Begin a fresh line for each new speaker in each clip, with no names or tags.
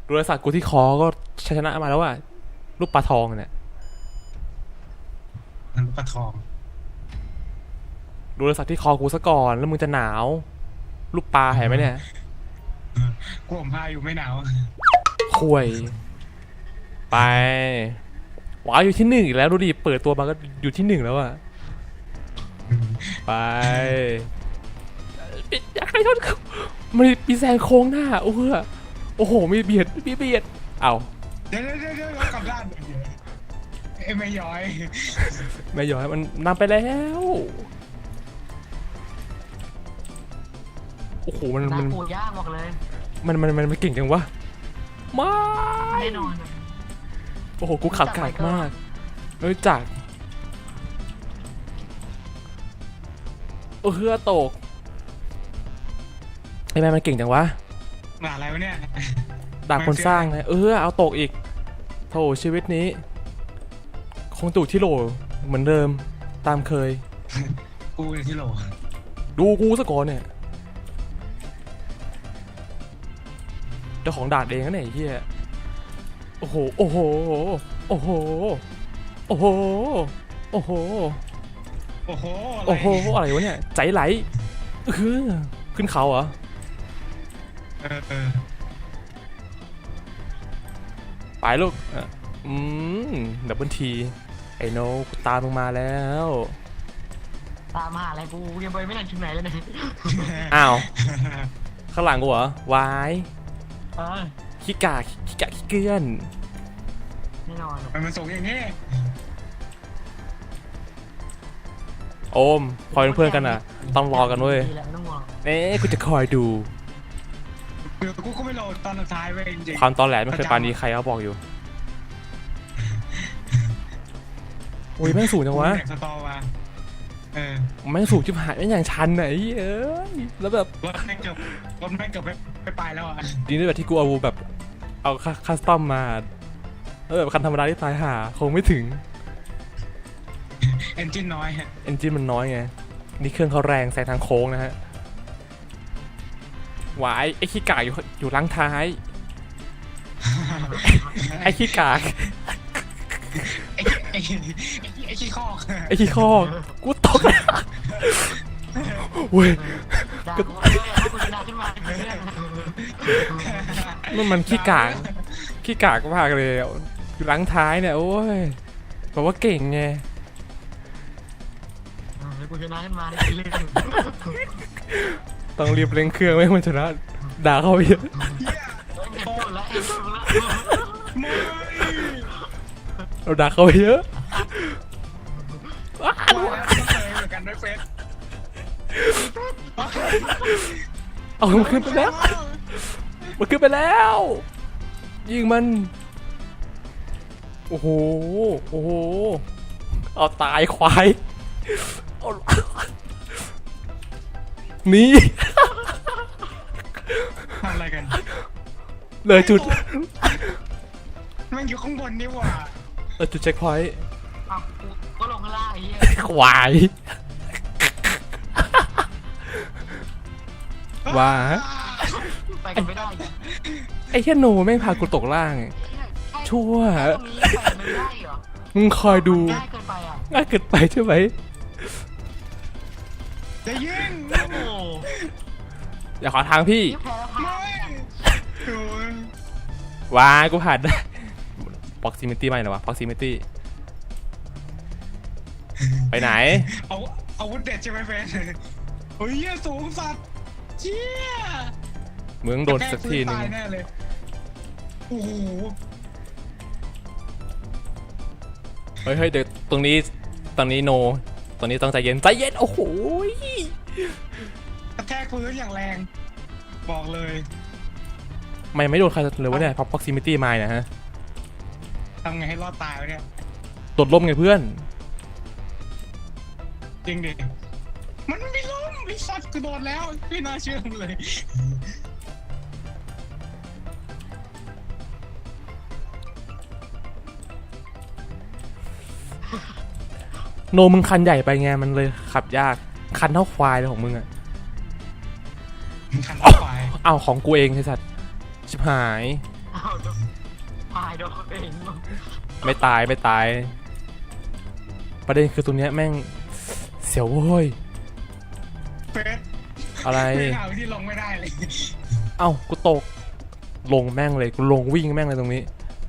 ดูรอยสักกูที่คอก็ชนะมาแล้วว่ะลูกปลาทองเนี่ย
มันปลาทอง
ดูรอยสักที่คอกูซะก่อนแล้วมึงจะหนาวลูกปลาเห็นไหมเนี่ย
กลัวผมพาอยู่ไม่หนาว
ข่วยไปว้าวอยู่ที่หนึ่งอีกแล้วดูดิเปิดตัวมาก็อยู่ที่หนึ่งแล้วอะไปอยากให้ชนมันมีแซงโค้งหน้าโอ้โหโอ้โหมีเบียดเอา
เดี๋ยวกลับด้านเอ้ไม่ย้อย
ไม่ยอมให้มันนำไปแล้วโอ้โหมัน
น้ำปูย่างบอกเลย
มันเก่งจังวะไม่
แน่นอน
โอ้โหกูขับไก่มากรู้จักเฮือตกไอ้แม่มันเก่งจังวะ
มาอะไรวะเนี่ย
ดาบคนสร้างไงเอาตกอีกโธ่ชีวิตนี้คงตู่ที่โหลเหมือนเดิมตามเคย
กูในที่โหล
ดูกูซะก่อนเนี่ยเจ้าของดาบเองนะเนี่ยไอ้เฮียโอ้โหโอ้โหโอ้โหโอ้โหโอ้โห
โอ้โห
โอ้โหอะไรวะเนี่ยใจไหลขึ้นเขาเหรอไปลูกดับเบิลทีไอ้โนกูตามมึงมาแล้ว
ตามหาอะไรกูยังไปไม่ทันถึงไหนเลยเนี่ย
อ้าวข้างหลังกูเหรอวาย
เออ
ขี้กากขี้เกลื่อน
แน่นอน
มันส่งอย่างนี้
โอมคอยเป็นเพื่อนกันอ่ะต้องรอกันเว้ย
ดีแล้วไม่ต้องห่วง
เอ๊ะกูจะคอยดู
กูก็ไม่โหลดตอนสุดท้ายเว้ยจริง
ความตอนแหลไม่เคยปานนี้ใครเขาบอกอยู่โอ้ยแม่งสูงจังวะ
แตกสตอมา
แม่งสูงชิบหายแม่งอย่างชันไหนแล้วแบบ
รถแม่งเกือบไปปลายแล้วอ่ะ
ดีนี่แบบที่กูเอาแบบเอาคัสตอมมาแล้วแบบคันธรรมดาที่ตายหาคงไม่ถึง
เอนจินน้อย
เอนจินมันน้อยไงนี่เครื่องเขาแรงแซงทางโค้งนะฮะหวายไอ้ขี้กากอยู่หลังท้ายไอ้ขี้กาก
ไอ้ขี้คอก
ไอ้ขี้ข้อกูตกแล้วเว้ย
ด่ากูเลยให้กูชนะขึ้นมาเพื่อน
มันขี้กากมากเลยอยู่หลังท้ายเนี่ยโอ้ยบอกว่าเก่งไง
ให้กูชนะขึ้นมาได้เล่น
ต้องรีบเร่งเครื่องไม่ให้มันชนะด่าเขาไปเยอะ
โอ้แล้วไอ้ตัวละ
เราด่าเขาไปเยอะ
ว่าแล้วเหมือนกันด้วยเฟส
เอามันขึ้นไปแล้วยิงมันโอ้โหเอาตายควายเอานี่
ทำอะไรกัน
เลยจุด
มันอยู่ข้างบนนี่หว่า
เลยจุดเช็คพอยต์
อ้าวกูก็ลงข้างล่างไอ้เหี้ย
ควายว่า
ไปกันไม่ได้
ไอ้แค่โนแม่งพากูตกล่าง ชั่ว
ตรงนี้ไปไม่ได้เหรอ
มึงคอยดู
ง่ายเกินไปอ่ะ
ง่ายเกินไปใช่ไหม
จะยิง
โอ้โห
อย่าขอทางพี่
นี่แพ้แล้วพา
โอ้ย
ว้ากูผ่านได้ proximity ไม่หรอวะ proximity ไปไหน
เอาอาวุธเด็ดใช่ไหมเฟสเฮ้ยสูงสัตว์เชี่ย
มึงโดนสักทีนึง
ตายแน่เลยโอ้โห
เฮ้ยเดี๋ยวตรงนี้โนตรงนี้ต้องใจเย็นโอ้โห
กระแทกพื้นอย่างแรง บอกเลย
ไม่โดนใครเลยวะเนี่ย proximity มาเนี่ยฮะ
ทำไงให้รอดตายวะเนี่ย
ตดล่มไงเพื่อน
จริงดิมันไม่ล้มไอ้สัตว์กูโดนแล้วไม่น่าเชื่อมึงเลย
โนมึงคันใหญ่ไปไงมันเลยขับยากคันเท่าควายเลยของมึงอะ
คันต่อไป
อ้าวของกูเองไอ้สัตว์ชิบหาย
เอาโดนตายโดนเอง
ไม่ตายไม่ตาย ประเด็นคือตรงเนี้ยแม่งเสียวโว้ย
เฟส
อะไร
ไม่หาวิธีลงไม่ได้เลย
เอ้ากูตก ลงแม่งเลยกูลงวิ่งแม่งเลยตรงนี้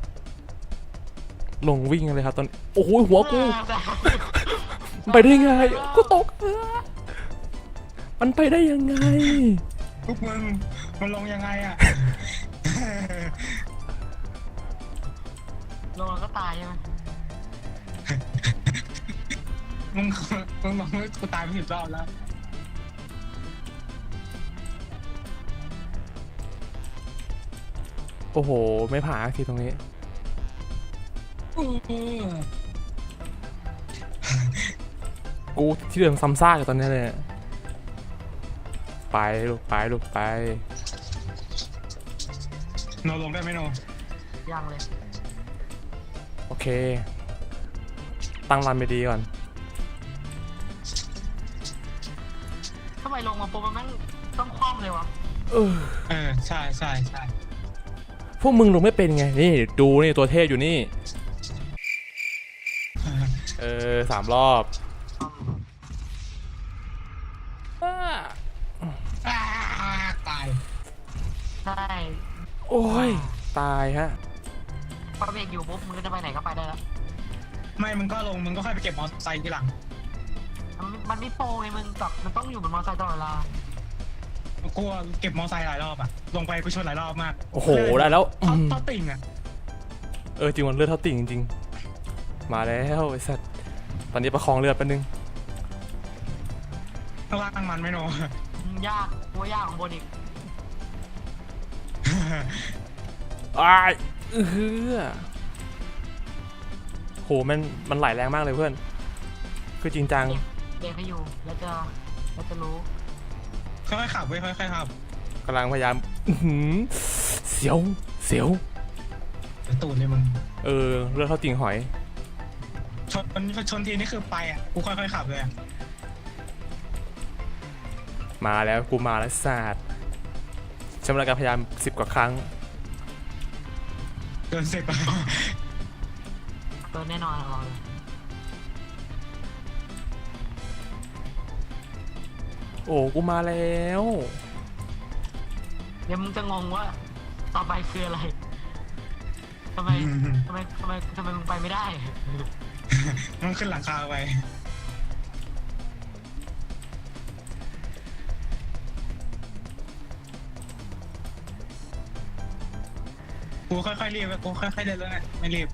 ลงวิ่งเลยครับตอนโอ้โหหัวกูไปได้ไงกูตกมันไปได้ยังไง
พวกมึงมันลงยังไงอ่ะ
ลงแล้วก็ตายใช่ไหม
มึงลงกูตายไป10 รอบแล้ว
โอ้โหไม่ผ่านสักทีตรงนี้ กูที่เดิมซ้ำซากอยู่ตอนนี้เลย ไปลูกไปลูกไป
โนลงได้ไหมโน
ยังเลย
โอเค ตั้งรันไปดีก่อน
ทำไมลงมาปุ๊บมันแม่งต้องคว่ำเลยวะ
ใช่ใช่ใช่
พวกมึงลงไม่เป็นไง นี่ดูนี่ตัวเทพอยู่นี่ 3 รอบอ้า
ตาย
ใช่
โอ้ย ตายฮะ
พอเบรกอยู่ปุ๊บมึงก็จะไปไหนก็ไปได้แล้ว
ไม่มึงก็ลงมึงก็ค่อยไปเก็บมอเตอร์ไซค์ทีหลัง
มันไม่โปรไงมึงกับมันต้องอยู่บนมอเตอร์ไซค์ตลอดเวลา
กูเก็บมอเตอร์ไซค์หลายรอบอ่ะลงไปกูชนหลายรอบมาก
โอ้โหได้แล้ว
เท่าติ่งอ่ะ
จริงมันเลือดเท่าติ่งจริงๆมาแล้วไอ้สัตว์ตอนนี้ประคองเลือดแป๊บนึง
ข้างล่างมันไม่โน
ยากตัวยากของบนอีก
อ้ายโหมันไหลแรงมากเลยเพื่อน คือจริงจัง
เบรกให้อยู่แล้วจะรู้
ค่อยๆขับเว้ยค่อยๆขับ
กำลังพยายามเสียวเสียว
เดี๋ยวตูดเลยมึง
เลือดเท่าติ่งหอย
ชนทีนี่คือไปอ่ะกูค่อยๆขับเลยอ่ะ
มาแล้วกูมาแล้วศาสตร์ใช้เวลาการพยายาม10 กว่าครั้ง
เกิน10อ่ะ
เกินแน่นอนเราเลย
โอ้กูมาแล้ว
เดี๋ยวมึงจะงงว่าต่อไปคืออะไรทำไมมึงไปไม่ได้
มันขึ้นหลังคาไปกูค่อยๆรีบกูค่อยๆเดินแล้วไงไม่รีบ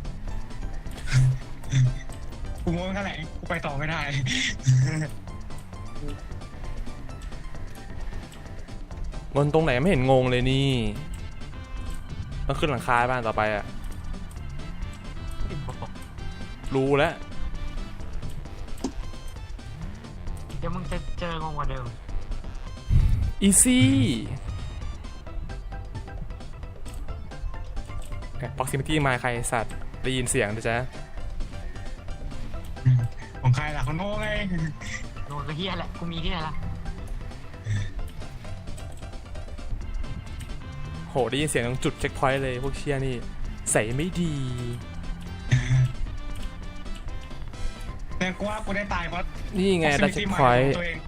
กูโม้แค่ไหนกูไปต่อไม่ได้
งนตรงไหนไม่เห็นงงเลยนี่ต้องขึ้นหลังคาบ้านต่อไปอะรู้แล้ว
เดี๋ยวมึงจะเจองงกว่าเดิม
อีซี่proximity มาใครสัตว์ได้ยินเสียงนะจ๊ะ
ของใครล่ะของโน่ไง
โดนก็เฮียแหละกูมีที่ไหนล่ะ
โหได้ยินเสียงตรงจุดเช็คพอยต์เลยพวกเชียนี่ใส่ไม่ดี
เนี่ยกูว่ากูได้ตายเพราะ
นี่ไงได้เช็คพอยต์
ตัวเอง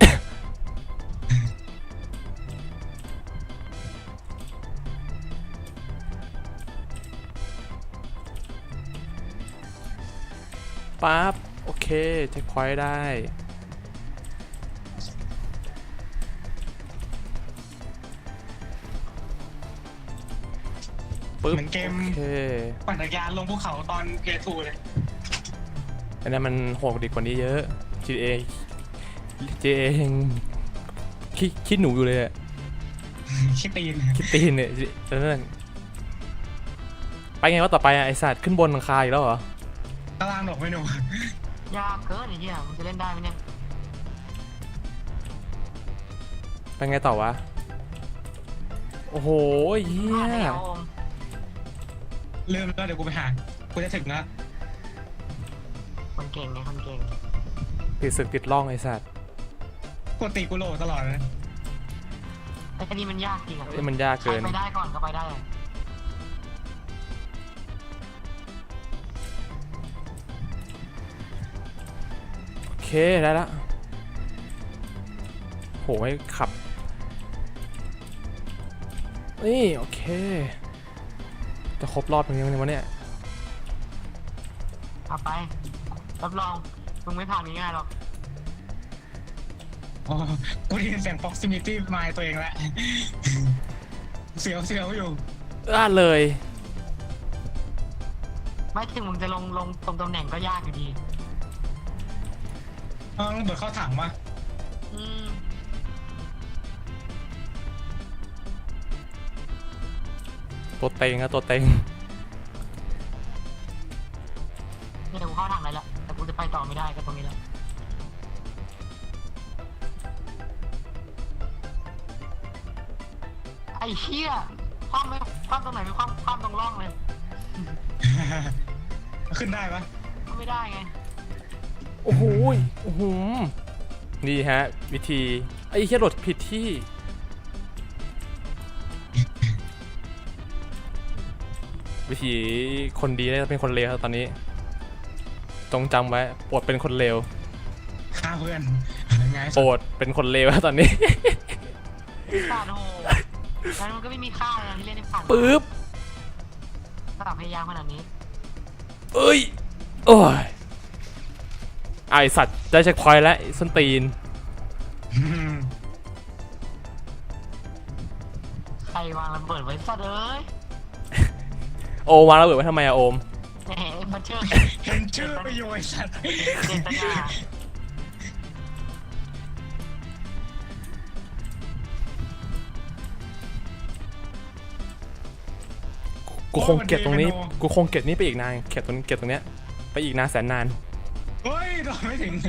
ปั๊บโอเคเช็คพอยต์ได้ปึ๊บ
เหมือนเกม
โอเค
ปั่นจักรยานลงภูเขาตอนเพทูเลย
อันนั้นมันโหดดีกว่านี้เยอะ GTA ยังคิดหนูอยู่เลยอะ
ชิตีน
คิดตีนเนี่ยนั่นไปไงว่าต่อไปอะไอสัตว์ขึ้นบนหลังคาอีกแล้วเหรอ
ตารางดอกไม่หนู
ยากเกินไอ้เหี้ยมึงจะเล่นได้ไหมเนี่ย
ไปไงต่อวะ โอ้โหเฮี
ผ่าน
ย
แล้วโอม
ลืมแล้วเดี๋ยวกูไปหากูจะถึงแล้ว
คนเก่งไงคนเก่ง
ติดศึกติดร่องไอสัตว์
กูตีกูโหลตลอดเลย
ไอ้นี่มันยากจริงอ่ะ
มันยาก
ใคร
เกิน
ไปได้ก่อนก็ไปได้
ได้ละโหให้ขับนี่โอเคจะครบรอบยังไงวะเนี่ย
เอาไปรับรองมึงไม่ผ่านง่ายๆหรอก
โอ้กูได้ยินเสียง proximity มาตัวเองแล้ว เสียวอยู่
เลย
ไม่ถึงมึงจะลงตรงตำแหน่งก็ยากอยู่ดี
ต้องเบิดเข้าถังมา
อืม
ตัวเต็งอะตัวเต็ง
นี่เดี๋ยวกูเข้าทางไหนละแต่กูจะไปต่อไม่ได้ก็ตรงนี้แหละไอ้เหี้ยคว่ำไม่คว่ำตรงไหนไม่คว่ำตรงร่องเลย
ขึ้นได้ปะ
ก็ไม่ได้ไง
โอ้โหโอ้โหนี่ฮะวิธีไอ้เหี้ยโหลดผิดที่วิธีคนดีได้เป็นคนเลวครับตอนนี้จงจำไว้โปรดเป็นคนเลว
ฆ่าเพื่อนไง
โปรดเป็นคนเลวครับตอนนี้
ขาดโหแล้วมันก็ไม่มีค่าเลยนะที่เล่นในผ่าน
ปึ๊บ
สำหรับพยายามขนาดนี้
เอ้ยโอ้ยไอสัตว์ได้เช็คพอยต์แล้วไอ้ส้นตีน
ใครวางระเบิดไว้สัตว์เอ้ย
โอมวางระเบิดไว้ทำไมอะโอม
แหมมันเชื่อ
เห็นชื่อประโยชน์สัตว์
เจตนา
กูคงเก็บตรงนี้กูคงเก็บนี้ไปอีกนานเก็บตรงเนี้ยไปอีกนานแสนนาน
เฮ้ยโดนไม่ถึง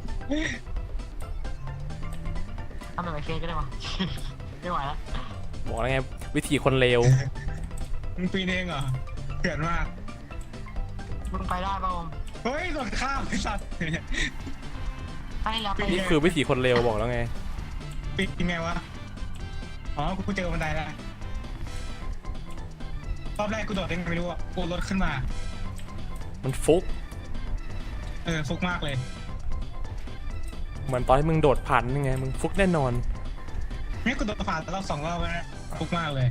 ทำแบบไอเฟนก็ได้วะ ไม่ไหวแล้ว
บอกแล้วไงวิธีคนเลว
มึงปีนเองเหรอเถื่อนมาก
มึงไปได้ป่ะโอม
เฮ้ยโดนข้ามไอ้สัตว์
ให้แล้วไป
นี่คือวิธีคนเลวบอกแล้วไง
ปีนไงวะอ๋อกูเจอบันไดแล้วรอบแรกกูโดดเองไม่รู้อ่ะกูรถขึ้นมา
มันฟุก
ฟุกมากเลย
เหมือนตอนที่มึงโดดผ่านยังไงมึงฟุกแน่นอน
นี่กูโดดผ่านรอบ2 รอบแล้วนะฟุกมากเลย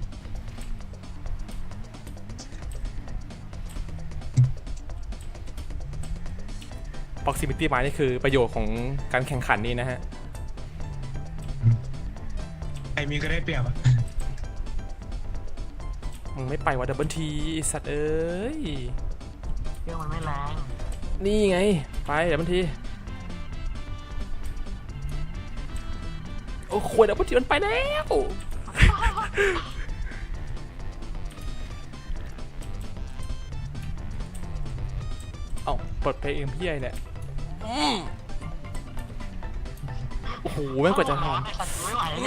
proximity mine นี่คือประโยชน์ของการแข่งขันนี้นะฮะ
ใครมีก็ได้เปรียบอ่ะ
มึงไม่ไปว่าดับเบิลทีสัตว์เอ้ย
เครื่องมันไม่แรง
นี่ไงไปดับเบิลทีโอ้โหดับเบิลทีมันไปแล้วเอ้าเปิดเพลงพี่ไอเนี่ยโอ้โหแม่งกว่าจะท
ไอ้สัตว์ไม่ไหวเลย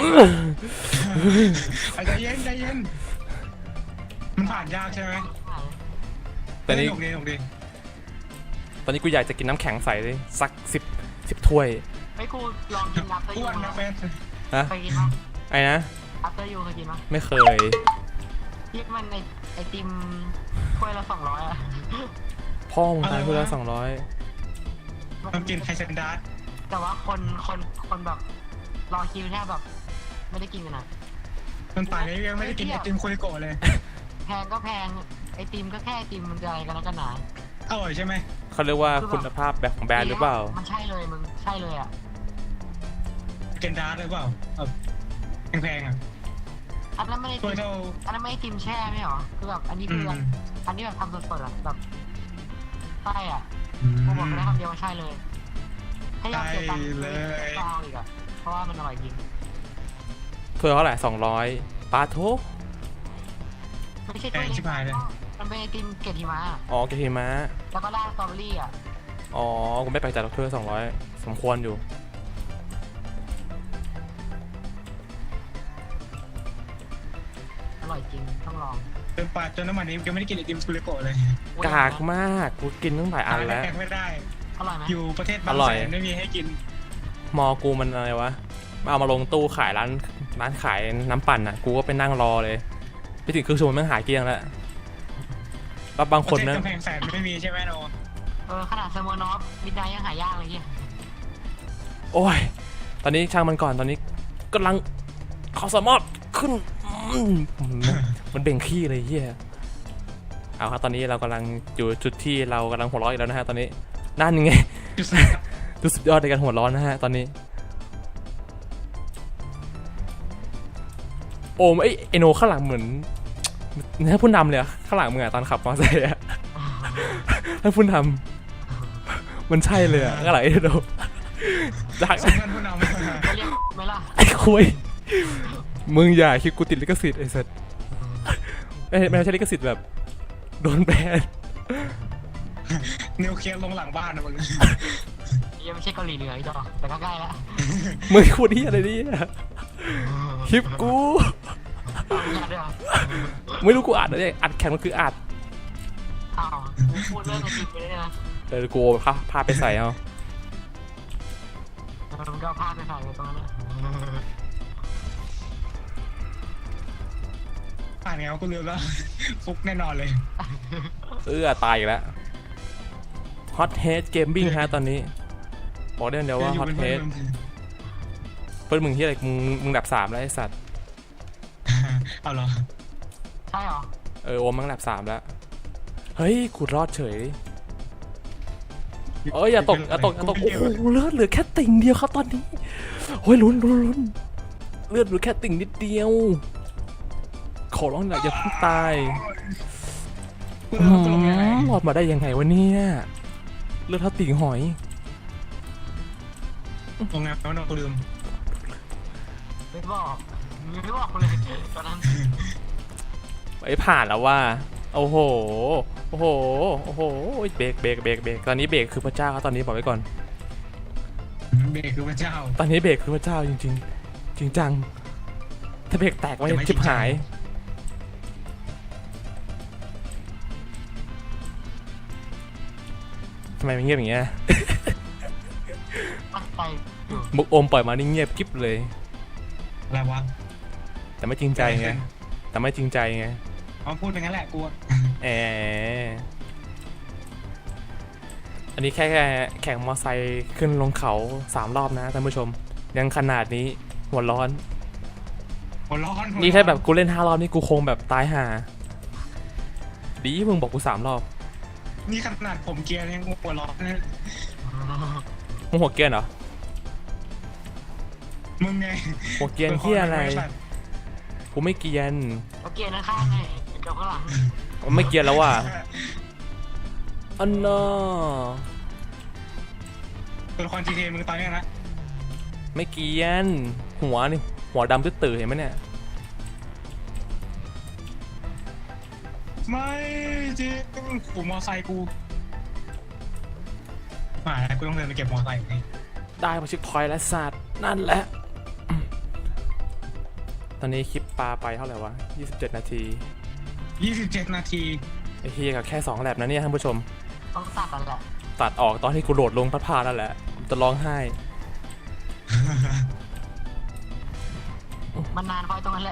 ำ
ใจเย็นมันผ่านยากใช่ไหม
ตอนนี้
หนุกดี
ตอนนี้กูอยากจะกินน้ำแข็งใสเลยสัก10ถ้วย
ไม่กูลองกินอัพเตอร์
อ้
ยู
วนนะเฟน
นะ
เคยกินมั้ย
ไอ้นะ
อัพเตอร์ยูเคยกินมั้ย
ไม่เคย
ที่มันไอติมถ้วยละ200อ่ะ
พ่อมึงตายพูดแล้ว200
ต้องกินไฮเซนดาร์
แต่ว่าคนแบบรอคิวแทบแบบไม่ได้กินกันนะ
มันป่านนี้ยังไม่ได้กินไอติมคุริโกะเลย
แพงก็แพงไอติมก็แค่ไอติมมันจะอะไรกันนักกันหนา
อร่อยใช่ไหม
เขาเรียกว่าคุณภาพแบบของแบรนด์หรือเปล่า
มันใช่เลยมึงใช่เลยอ่ะ
เกนดาร์หรือเปล่าแพงๆอ่ะ
อันนั้นไม่ไอ
ตั
ติ
ว
ม
เท่า
อันนั้นไม่ไอติมแช่ไม่หรอคือแบบอันนี้คืออันนี้แบบทำสดๆอ่ะแบบใช่อ่ะกูบอกได้คำเดียวว่าใช่เลยถ้ายอมเสียตังค์ก็เอาอีกอ่ะเพราะว่ามันอร่อยจริง
ถ้วยเท่าไหร่200ปาโท
ไม่ใช่ตัวเล็กมันเป็นไอติมเกล็ดหิมะ
อ๋อเกทิมะ
แล้วก็ราดสตรอเบอรี่อ่ะ
อ๋อกูไม่แปลกใจหรอกถ้วย200สมควรอยู่
อร่อยจริงต้องลอง
จนน้ำมันนี้ยังไม่ได้กินไอติมคุริโกะเลย
กากมากกูกินตั้งหลายอันแล้ว
แพงไม่ได้
อร่อยไหม
อยู่ประเทศบาง
อร่อย
แสนไม่มีให้กิน
มอกูมันอะไรวะเอามาลงตู้ขายร้านขายน้ำปั่นอ่ะกูก็ไปนั่งรอเลยไปถึงครึ่งชั่วโมงแม่งหายเกลี้ยงแล้วแล้วบาง
ป
ค
ระ
น
เทศ
นะ
กำแพงแสนไม่มีใช่ไหมโน
ขนาดเซอร์โมนอฟมิดไนท์ยังหายากเลยเฮีย
โอ้ยตอนนี้ช่างมันก่อนตอนนี้กำลังเขาสามารถขึ้นมันเบ่งขี้เลยเฮียเอาครับตอนนี้เรากำลังอยู่จุดที่เรากำลังหัวเราะอีกแล้วนะฮะตอนนี้นั่นไง ดูสุดยอดในการหัวร้อนนะฮะตอนนี้โอมไอโนข้างหลังเหมือนถ้าผู้นำเลยอะข้างหลังมึงอะตอนขับมอเตอร์ไซค์อะถ้าผู้นำมันใช่เลยอะข้างหลังไอโนจาก
สำคัญผู้นำ
จะเรียกไหมล่ะ
ไอ้คุยมึงอย่าคิดกูติดลิขสิทธิ์ไอ้สัสไม่ใช่ลิขสิทธิ์แบบโดนแบน
นิวเคลียร์ลงหลังบ้านนะมึง
ยังไม่ใช่เกาหลีเหนืออีกต่อแต่ก็ใกล้ละ
มึงพูดที่อะไรเนี่ยคลิปกู
เอาอย่าด้วยเหรอ
ไม่รู้กูอัดอะไรอัดแข่งมันคืออัด
อ้าวพูดเรื่องในคลิปไปได้นะ
กูพาไปใส่เอา
มันก็พลาดไปใส่ไปตรงนั้นนะ
อ่านไงวะกูลืมแล้วฟุกแน่นอนเลย
ตายอีกแล้ว Hot Head Gaming ฮะตอนนี้บอกได้เดี๋ยวว่า Hot Head เพื่อนมึงที่อะไรมึงดับ3แล้วไอ้สัตว์
เอาเหรอ
ใช่เหรอ
โอมมึงดับ3แล้วเฮ้ยกูรอดเฉยอย่าตกโอ้โหเลือดเหลือแค่ติ่งเดียวครับตอนนี้โอ้ยลุ้นเลือดเหลือแค่ติ่งนิดเดียวขอร้องหน่อยอย่าเพิ่งตาย
กูลงยังไง
รอดมาได้ยังไงวะเนี่ยเลือดเท่าติ่งหอย
ลงไงวะน้องกูลืม
ไม่บอกเลยตอนนั้น
ไอ้ผ่านแล้วว่าโอ้โหเบรกตอนนี้เบรกคือพระเจ้าครับตอนนี้บอกไว้ก่อน
เบรกคือพระเจ้า
ตอนนี้เบรกคือพระเจ้าจริงๆจริงจังถ้าเบรกแตกไว้
จะไม่
ชิบหายทำไมมันเงียบอย่างเงี้ย
ตั้งใจอยู่
มุกโอมปล่อยมานี่เงียบกิ๊บเลย
อะไรวะ
แต่ไม่จริงใจไง
เอาพูดไปงั้นแหละกู
อันนี้แค่แข่งมอไซค์ขึ้นลงเขา3 รอบนะท่านผู้ชมยังขนาดนี้หัวร้อน
หัวร้อน
นี่ถ้าแบบกูเล่น5 รอบนี่กูคงแบบตายห่าดีมึงบอกกู3 รอบ
นี่ขนาดผมเกียร์ยังหัวร้อนนะ
มึงหัวเกรียนเหรอ
มึงไง
หัวเกรียนเฮียอะไรกูไม่เกรียน
แล้วเกียร์ข้างๆไงกับข้างหลัง
ผมไม่เกรียนแล้วว่ะอันน่ะ
ตัวละคร GTA มึงตอนเนี้ยนะ
ไม่เกรียนหัวนี่หัวดำตื้อๆเห็นไหมเนี่ย
ไม่จริงกูมอไซค์กูมาแล้วกูต้องเดินไปเก็บมอไซค์นี่
ได้มาชิคพอยต์และสัตว์นั่นแหละตอนนี้คลิปปลาไปเท่าไหร่วะ27 นาที
27 นาที
ไอ้เฮียกับแค่2 แลปนะเนี่ยท่านผู้ชม
ต้องตัดกันแหละ
ตัดออกตอนที่กูโดดลงพัดพาแล้วแหละจะร้องไห้
มันนานไปตรงนั้นแหละ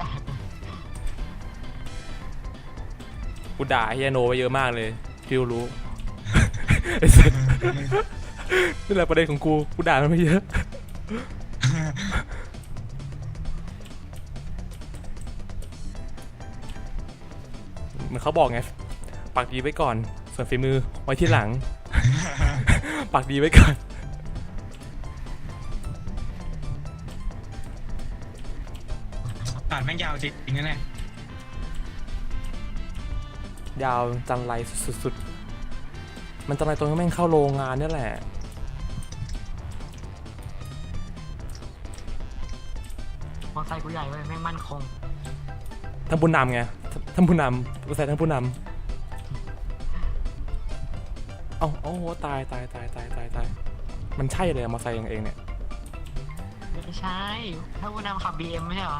กูด่าเฮียโนไปเยอะมากเลยฟิวรู้ ไอ้สัสนี่แหละประเด็นของกูด่ามันไปเยอะเหมือนเขาบอกไงปากดีไว้ก่อนส่วนฝีมือไว้ที่หลัง ปากดีไว้ก่อน
ตัดแม่งยาวจริงๆนะเนี่ย
ยาวจันไรสุดๆมันจันไรตรงที่แม่งเข้าโรงงานนี่แหละ
มอไซค์กูใหญ่เว้ยแม่งมั่นคง
ท่านผู้นำไงท่านผู้นำใส่ท่านผู้นำโอ้โหตายมันใช่เลยมาใส่เองเนี่ย
ไม่ใช่ ถ้าผู้นำขับ BM ไม่ใช่เหรอ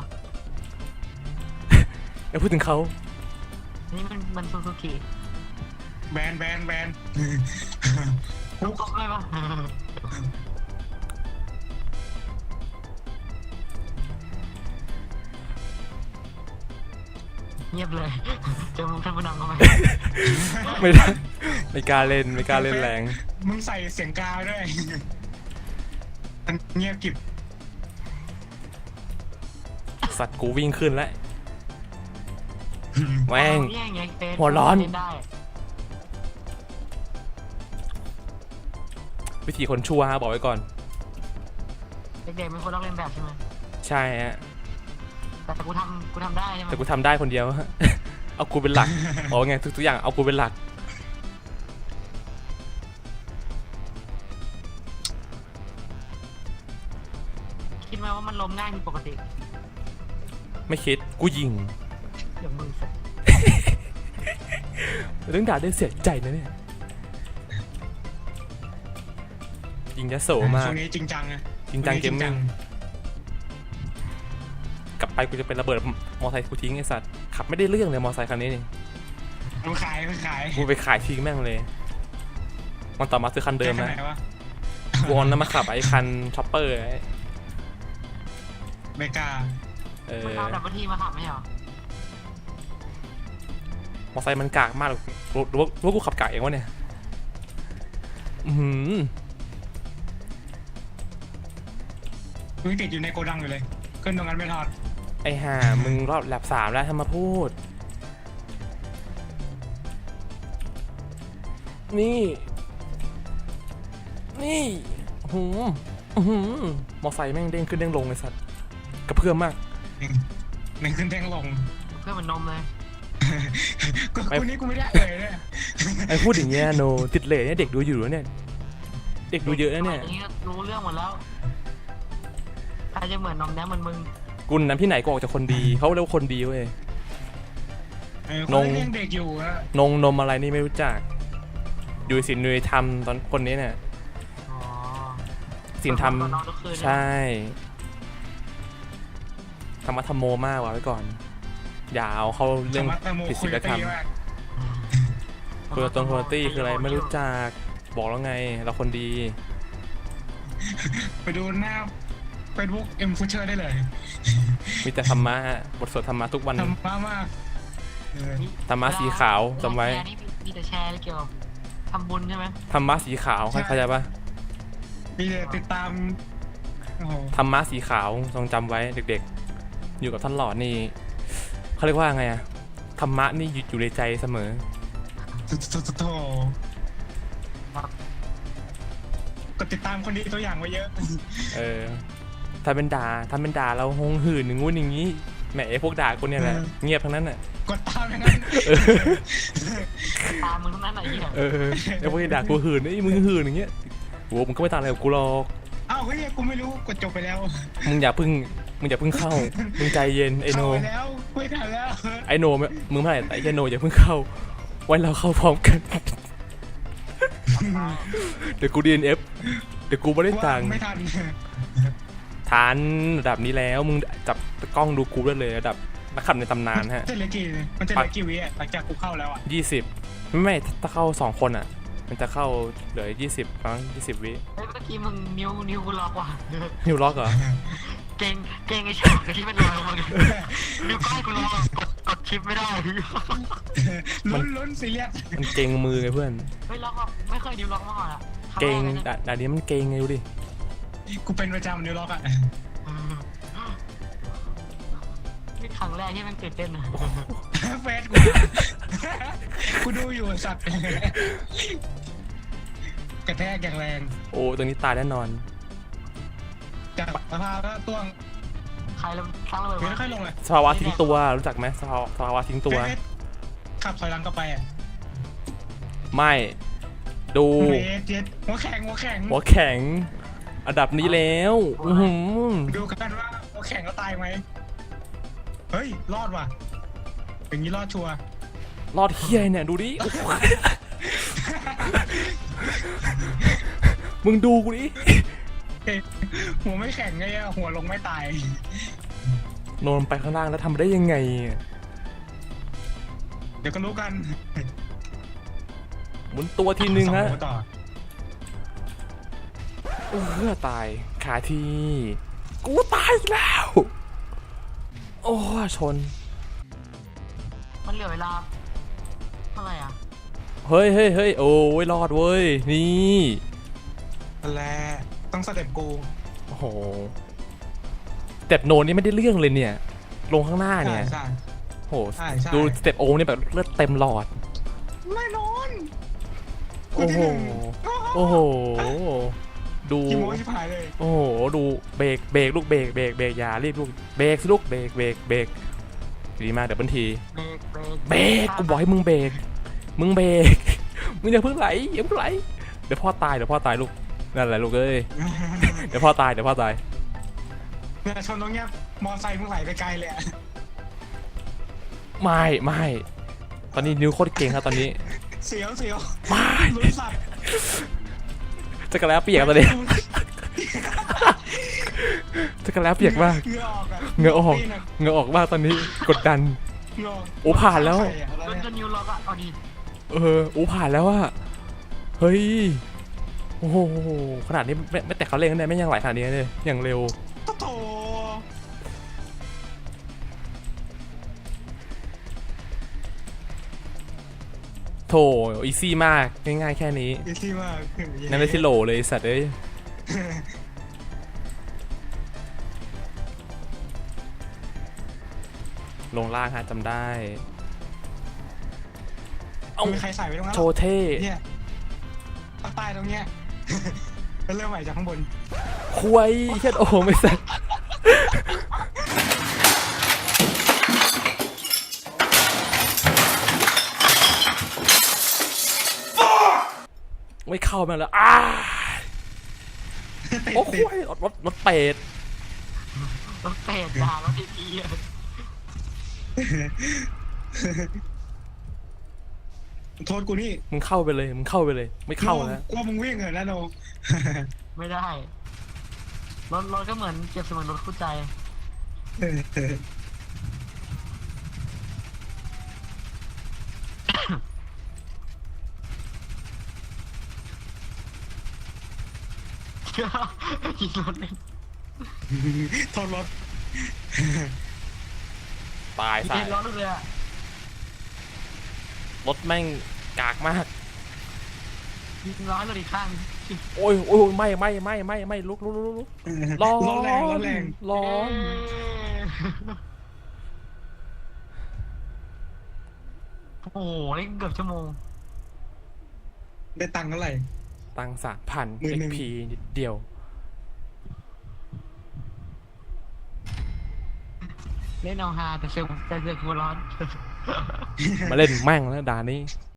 แล้วพูดถึงเขา
นี่มันซูซูกิ
แบน
ลูกตกเลยปะเงียบเลย เจอมุกท่านผู้นำเข้าไป
ไม่ได้ไม่กล้าเล่นแรง
มึงใส่เสียงกาวด้วยมันเงียบกริบ
สัตว์กูวิ่งขึ้นแล้วแม่ง
เนี่ยอย่างเงี้ยเฟซ
หัวร้อน
เล่นได้
วิธีคนชั่วฮะบอกไว้ก่อน
เด็กๆเป็นคนลอกเลียนแบบใช่ไหม
ใช่ฮะ
แต่กูทำได้ใช่ไหม
แต่กูทำได้คนเดียว เอากูเป็นหลักโอ้ไงทุกอย่างเอากูเป็นหลัก
คิดไหมว่ามันล้มง่ายผิดปกติ
ไม่คิดกูยิง
เดี๋ยวมึงสัก
เรื่องด่าได้เสียใจนะเนี่ยยิงยะโสมาก
ช่วงนี้จริงจังนะ
จริงจังเกมมิ่งกลับไปกูจะเป็นระเบิดมอไซค์กูทิ้งไอ้สัตว์ขับไม่ได้เรื่องเลยมอไซค์คันนี้นี่
มันขายมันขาย
กูไปขายทิ้งแม่งเลยมันต่อมาซื้อคันเดิม
แค่
นะ
ไหนวะ
วอนแล้วมาขับไอ้คันช็อปเปอร์ไอ้
เมกา
มึงเอาดับเบิลทีมาขับไม่เหรอ
มอไซค์มันกากมากหรือว่ากูขับกากเองวะเนี่ยอือหือ
มึงติดอยู่ในโกดังอยู่เลยขึ้นตรงนั้นไม่ทอด
ไอ้ห่ามึงรอบแลบ3แล้วทำมาพูดนี่หืมมอไซค์แม่งเด้งขึ้นเด้งลงเลยสัตว์กระเพื่อมมาก
หนึ่งขึ้นแท่งลง
เพื่อนมันนมเลย
กูนี่กูไม่ได้เอ่ยเนี่ย
ไอ้พูดอย่างเงี้ยโนติดเหล่เนี่ยเด็กดูอยู่แล้วเนี่ยเด็กดูเยอะนะเนี่ย
สมันี้รู้เรื่องหมดแล้วใครจะเหมือนนมแนมเหมือนมึง
กุลน้ำที่ไหนก็ออกจากคนดีเขาเรียกว่าคนดีเว้ย
เขาเลี้ยงเด็กอยู่อะ
นมอะไรนี่ไม่รู้จักอยู่ศิลป์นุยธรรมตอนคนนี้เนี่ย
อ๋อ
ศิลป์ธรรม
ตอนนอนทุกคืนเนี่ย
ใช่ธรรมะธรรมโมมากว่ะไว้ก่อนอย่าเอาเข้าเรื่อง
ธรรมะแตงโม
ผิด
คุ
ศี
ย
ล
กับ
ธรรม
ตีมาก
คุยกับตรงโคตี้คืออะไรไม่รู้จักบอกแล้วไงเราคนดี
ไปดูหน้าเฟซบุ๊กเอ็มฟูเชอร์ได้เลย
มีแต่ธรรมะฮะบทสวดธรรมะทุกวัน
ทำมากเออ
ธรรมะสีขาวจำไว้
แชร์นี่มีแต่แชร์เกี่ยวกับทำบุญใช่ไหม
ธรรมะสีขาวเข้าใจปะ
มีแต่ติดตามโอ้โห
ธรรมะสีขาวจงจำไว้เด็กๆ อยู่กับท่านหลอดนี่เขาเรียกว่าไงอะธรรมะนี่อยู่ในใจเสมอ
โถก็ติดตามคนดีตัวอย่างไว้เยอะ
เออถ้าเป็นด่าเราหงหื่นอย่างงู้นอย่างงี้แหมไอ้พวกด่าคนเนี่ยแหละเงียบทั้งนั้นน่ะ
กดตามอย่างนั้น
ตามมึงทั้งนั้นไหนเหี้ย
เออไอ้พวกที่ด่ากูหื่นไอ้มึงหื่นอย่างเงี้ยโว้มึงก็ไม่ต่างอะไรกับกูหรอก
อ้าวเฮ้ยกูไม่รู้กดจบไปแล้ว
มึงอย่าเพิ่งเข้ามึงใจเย็นไอโน
เข้าไปแล้วคุยกันแล้ว
ไอโนมึงไม่แต่ไอโนอย่าเพิ่งเข้าไว้เราเข้าพร้อมกัน เดี๋ยวกู DNF เดี๋ยวกูไม่ได้ตังค์
ไม่ทัน
ทันระดับนี้แล้วมึงจับกล้องดูกูได้เลยระดับนักขับในตำนานฮะ
จะเหลือกี่มันจะเหลือกี่วิอ่ะหลังจากกูเข้าแล้วอ่ะ
20ไม่ถ้าเข้า2คนอ่ะมันจะเข้าเหลือ20ครั้ง20 วิ
เฮ้ยเมื่อกี้มึงนิ้วกูล็อกว่ะ
นิวล็อกเหรอ
เก่งไอ้ฉากที่มันลอยลงมาเนี่ยนิ้วก้อยกูล็อกอะกดชิปไม่ได้
ลุ้นซีเรียส
มันเก่งมือไงเพื่อน
ไม่ล็อกอะไม่เคยนิ้วล็อกมาก่อนอะครั้
เก่ง
แรลยนะ
ด่านนี้มันเก่งไงดูดิ
กูเป็นประจำนิวล็อกอ่ะ
นี่ครั้งแรกที่มันตื่นเต้นนะ
เฟสกูดูอยู่สัตว์กระแทกอย่างแรง
โอ้ตัวนี้ตายแน่นอน
จากสภาพแล้วต้วง
ใครสร้างระเบิด
ไม่
วะ
ค่อยลงเลย
สภาวะทิ้งตัวรู้จักไหมสภาวะทิ้งตัว
เฟสขับถอยหลังกลับไปอ่ะ
ไม่ดู
เฟสเจ็ดหัวแข็ง
หัวแข็งอันดับนี้แล้วอื้อหือ
ดูกันว่าหัวแข็งก็ตายไหมเฮ้ยรอดว่ะอย่างนี้รอดชัวร์
รอดเฮียเนี่ยดูดิโอ้โหมึงดูกูดิ
หัวไม่แข็งไงอะหัวลงไม่ตาย
โนนไปข้างล่างแล้วทำได้ยังไง
เดี๋ยวก็รู้กัน
หมุนตัวทีนึงฮะ
สอหัวต่อ
ตายขาทีกูตายอีกแล้ว โอ้ชน
มันเหลือเวลาเท่าไหร่อ่ะ
เฮ้ยโอ้ยรอดเว้ยนี่
นั่นแหละต้องสเต็ปกู
โหสเต็ปโนนี่ไม่ได้เรื่องเลยเนี่ยลงข้างหน้าเนี่ย
ใช่
โห
ใช่ใช่
ดูสเต็ปโอนี่แบบเลือดเต็มหลอด
แน่นอน
โอ้โหโอ้โหดู
กี่โมงชิบหายเลย
โอ้โหดูเบรกลูกเบรกอย่ารีบลูกเบรกสิลูกเบรกดีมากเดี๋ยวบันที เบรกกูบอกให้มึงเบรกมึงอย่าเพิ่งไหลเดี๋ยวพ่อตายลูกนั่นแหละลูกเอ้ยเดี๋ยวพ่อตาย
เนี่ยชนตรงเนี้ยมอไซค์มึงไหลไปไกลเลยอะ
ไม่ตอนนี้นิ้วโคตรเก่งครับตอนนี้
เสียว
ไม่
ลุ้นสัตว์
จะกระแล้วเปียกตอนนี้จะกระแล้วเปียกมาก
เหงื่อออกอะ
เหงื่อออก
ตีนะ
เหงื่อออกมากตอนนี้กดดัน
เหงื่อ
โอ้ผ่านแล้ว
ใส่อะอะไร
มัน
เนี่ย
จะนิวล็อกอะเอาดี
ผ่านแล้วอะเฮ้ยโอ้โหขนาดนี้ไม่แต่เขาเร่งกันได้ไม่ยังไหลขนาดนี้เลยอย่างเร็ว
โถ
โถอีซี่มากง่ายๆแค่นี้
อีซี่มาก
นั่นได้ที่โหลเลยไอ้สัตว์เอ้ยลงล่างฮะจำได้ เอ้า
มีใครใส่ไว้ตรงนั้น
โชว์เท่
เนี่ยภาคใต้ตรงเนี้ย แล้วเริ่มใหม่จากข้างบน
คุยเช็ดโอ้ไม่สัตว์ไม่เข้ามาแล้วโอ้โหรถเป็ด
รถเป็ดด่ารถดีๆอะ
โทษกูนี่
มึงเข้าไปเลยไม่เข้าแล้ว
กลัวมึงวิ่งเหรอนะโน
ไม่ได้รถก็เหมือนเก็บเสมือนรถคู่ใจ ยิงรถเลย
โทษรถ
ตาย
ยิง
สาย
รถเลยอะ
รถแม่งกากมาก
ยิงร้อยรถอีกข้าง
โอ้ยไม่ลุกร้อน
รถแรงรถแรง
ร้อน
โอ้โหนี่เกือบชั่วโมง
ได้ตังค์เท่าไหร่
ตัง3,000
11,000
XP นิดเดียว
เล่นเอาฮาแต่เซลล์หัวร้อน
มาเล่นแม่งแล้วด่านนี้